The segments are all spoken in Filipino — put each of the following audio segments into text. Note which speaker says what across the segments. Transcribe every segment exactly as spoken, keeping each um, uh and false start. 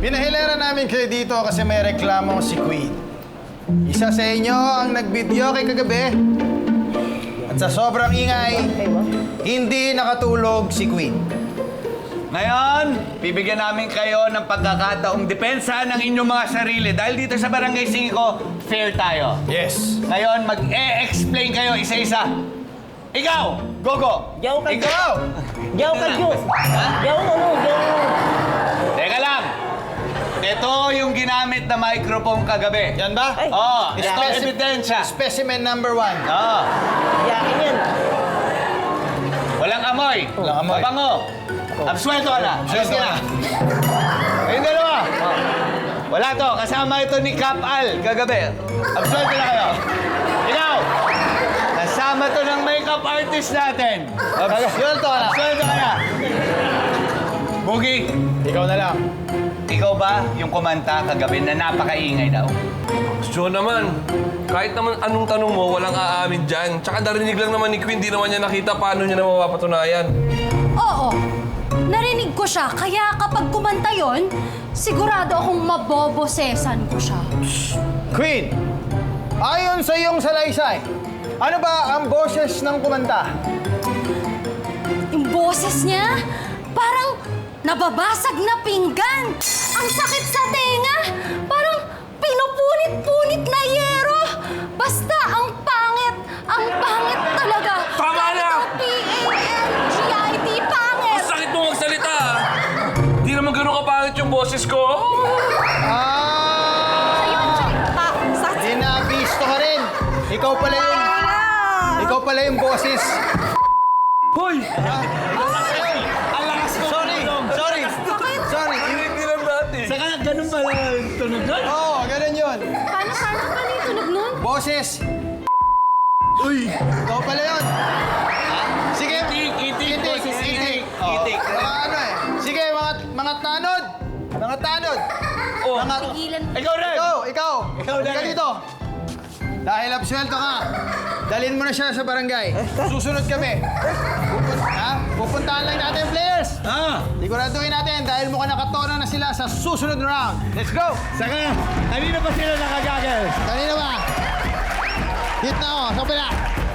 Speaker 1: Pinahilera namin kayo dito kasi may reklamo si Queen. Isa sa inyo ang nag-video kay kagabi. At sa sobrang ingay, hindi nakatulog si Queen.
Speaker 2: Ngayon, bibigyan namin kayo ng pagkakataong depensa ng inyong mga sarili. Dahil dito sa Barangay Singko, fair tayo.
Speaker 1: Yes.
Speaker 2: Ngayon, mag-e-explain kayo isa-isa. Ikaw, Gogo!
Speaker 3: Yaw ka,
Speaker 2: Ikaw!
Speaker 3: Yaw ka, Diyos! Yaw ano, yaw.
Speaker 2: Teka lang. Ito yung ginamit na microphone kagabi.
Speaker 1: Yan ba?
Speaker 3: Ay.
Speaker 2: Oo, ito
Speaker 1: Speci-
Speaker 2: ebidensya.
Speaker 1: Specimen number one.
Speaker 2: Oo.
Speaker 3: Yakin yan.
Speaker 2: Walang amoy.
Speaker 1: Walang amoy.
Speaker 2: Mabango. Absuelto ka na.
Speaker 1: Absuelto
Speaker 2: Sige
Speaker 1: ka
Speaker 2: na. Ayun dalawa. Wala to. Kasama ito ni Cap Al kagabi. Absuelto na kayo. Ikaw. Kasama to ng makeup artist natin.
Speaker 1: Absuelto ka na.
Speaker 2: Absuelto ka na. Boogie.
Speaker 1: Ikaw na lang.
Speaker 2: Ikaw ba yung kumanta kagabi na napakaingay daw?
Speaker 4: Sure naman. Kahit naman anong tanong mo, walang aamin dyan. Tsaka narinig lang naman ni Queen, di naman niya nakita paano niya na mapapatunayan.
Speaker 5: Oo, narinig ko siya. Kaya kapag kumanta yon, sigurado akong mabobosesan ko siya.
Speaker 1: Queen, ayon sa iyong salaysay, ano ba ang boses ng kumanta?
Speaker 5: Yung boses niya, parang nababasag na pinggan. Ang sakit sa tenga, parang pinupunit-punit na yero. Basta ang pangit, ang pangit talaga.
Speaker 4: Tama na!
Speaker 5: P A N G I T, pangit.
Speaker 4: Ang sakit mo magsalita, ah. Di naman ganun kapangit yung boses ko.
Speaker 1: Ah!
Speaker 5: Ayun, salita. Sa
Speaker 1: Dinabisto ka rin. Ikaw pala yung... Ikaw pala yung boses.
Speaker 4: Hoy!
Speaker 1: Sorry, sorry, sorry.
Speaker 4: Hindi lang natin.
Speaker 2: Saka ganun pala yung tunog doon?
Speaker 1: Oo, oh, ganun yun.
Speaker 5: Paano, paano, paano yung tunog nun?
Speaker 1: Boses. Uy! Ikaw pala yun. Sige.
Speaker 2: Itik, itik,
Speaker 1: Itik,
Speaker 2: boses,
Speaker 1: itik.
Speaker 2: itik.
Speaker 1: Oo.
Speaker 2: Itik.
Speaker 1: Mga ano eh. Sige, mga, mga tanod. Mga tanod.
Speaker 2: Oh.
Speaker 1: Mga...
Speaker 5: Tigilan.
Speaker 2: Ikaw rin!
Speaker 1: Ikaw, ikaw.
Speaker 2: Ikaw
Speaker 1: Halika
Speaker 2: din.
Speaker 1: dito. Dahil absuelto ka, dalhin mo na siya sa barangay. Susunod kami. Pupun ha? Pupuntahan lang natin yung players.
Speaker 2: Ah!
Speaker 1: Siguraduhin natin dahil mukhang nakatono na sila sa susunod na round. Let's go!
Speaker 2: Saka, kanina pa sila nakagagal?
Speaker 1: Kanina ba? Hit na ako, sa kapila.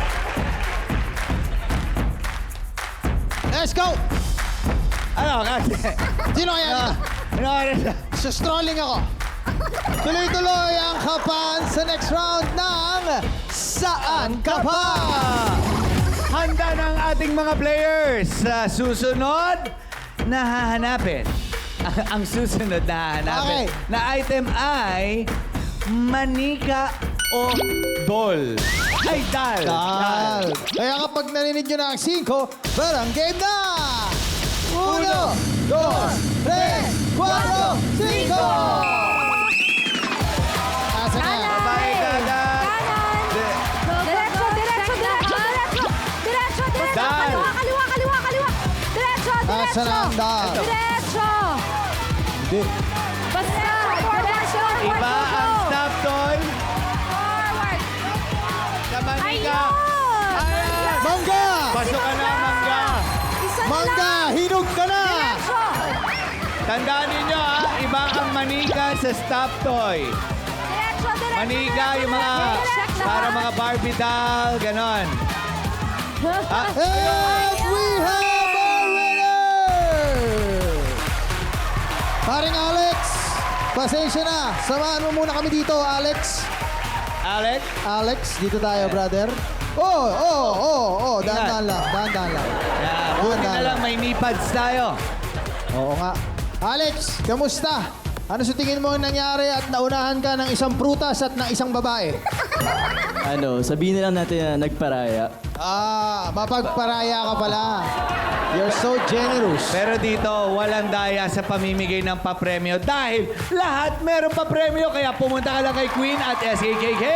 Speaker 1: Let's go!
Speaker 2: Ano, kasi?
Speaker 1: Sino kaya dito?
Speaker 2: Ano, ano,
Speaker 1: Sa strolling ako. Tuloy-tuloy ang kapan sa next round ng Saan Ka Pa?
Speaker 2: Handa na ang ating mga players sa susunod na hahanapin. Ang susunod na hahanapin
Speaker 1: Okay.
Speaker 2: na item ay manika o dol. Ay, dal.
Speaker 1: Dal. Kaya kapag narinig nyo na ang cinco, parang game na! Uno, dos, tres, cuatro, cinco! Asa na?
Speaker 2: Bye, Dada.
Speaker 5: Diretso, diretso, diretso, diretso. Diretso, diretso.
Speaker 2: Dal.
Speaker 5: Kaliwa, kaliwa, kaliwa, kaliwa. Diretso, diretso.
Speaker 1: Asa na ang dal?
Speaker 5: Diretso.
Speaker 1: Di.
Speaker 5: Basta, diretso.
Speaker 2: Iba ang stop toy
Speaker 5: Forward.
Speaker 2: sa manika.
Speaker 5: Ayun.
Speaker 2: Ayan.
Speaker 1: Mangga!
Speaker 2: Pasok ka na, mangga.
Speaker 5: Isa na
Speaker 1: Mangga!
Speaker 5: lang.
Speaker 1: Hinog ka na!
Speaker 5: Diretso.
Speaker 2: Tandaan ninyo ha, iba ang manika sa stop toy.
Speaker 5: Diretso, diretso.
Speaker 2: Manika yung mga,
Speaker 5: Diretso.
Speaker 2: para mga Barbie doll, ganon. Ah,
Speaker 1: And we have a winner! Paring Alex, pasensya na. Samahan mo muna kami dito, Alex.
Speaker 2: Alex?
Speaker 1: Alex, dito tayo, brother. Oh, oh, oh, oh. Dahan-dahan lang, dahan-dahan lang.
Speaker 2: Yeah, buti na lang may knee pads tayo.
Speaker 1: Oo nga. Alex, kamusta? Ano sa tingin mo ang nangyari at naunahan ka ng isang prutas at ng isang babae?
Speaker 6: Ano, sabihin na lang natin na nagparaya.
Speaker 1: Ah, mapagparaya ka pala. You're so generous.
Speaker 2: Pero dito, walang daya sa pamimigay ng papremyo dahil lahat meron papremyo kaya pumunta ka lang kay Queen at S K K K.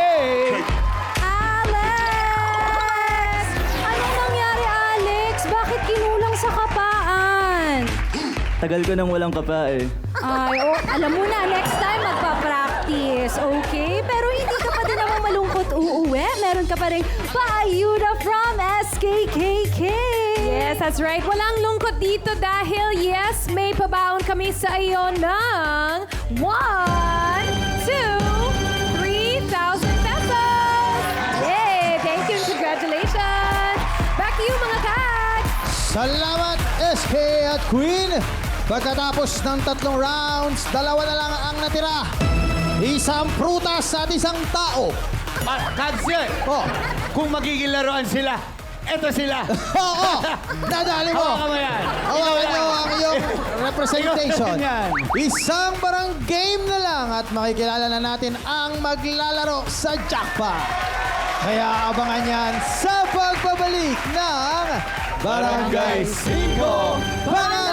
Speaker 5: Alex! Anong nangyari, Alex? Bakit kinulang sa kapaan?
Speaker 6: Tagal ko nang walang kapa eh.
Speaker 5: Ay, oh, alam mo na, next time magpa-practice, okay? Pero hindi ka pa din naman malungkot uuwi. Meron ka pa rin paayuda from S K K K.
Speaker 7: Yes, that's right. Walang lungkot dito dahil yes, may pabaon kami sa iyo ng
Speaker 5: one, two, three thousand pesos! Yay! Thank you and congratulations! Back to you, mga cats!
Speaker 1: Salamat, S K at Queen! Pagkatapos ng tatlong rounds, dalawa na lang ang natira. Isang prutas at isang tao.
Speaker 2: Ah, Kads yan.
Speaker 1: Oh,
Speaker 2: Kung magiging laruan sila, eto sila.
Speaker 1: oo, oh, dadali mo.
Speaker 2: Hawakan mo yan.
Speaker 1: Hawakan nyo ang iyong representation.
Speaker 2: Yan.
Speaker 1: Isang barang game na lang at makikilala na natin ang maglalaro sa jackpot. Kaya abangan yan sa pagbabalik ng Barangay Cinco Panay!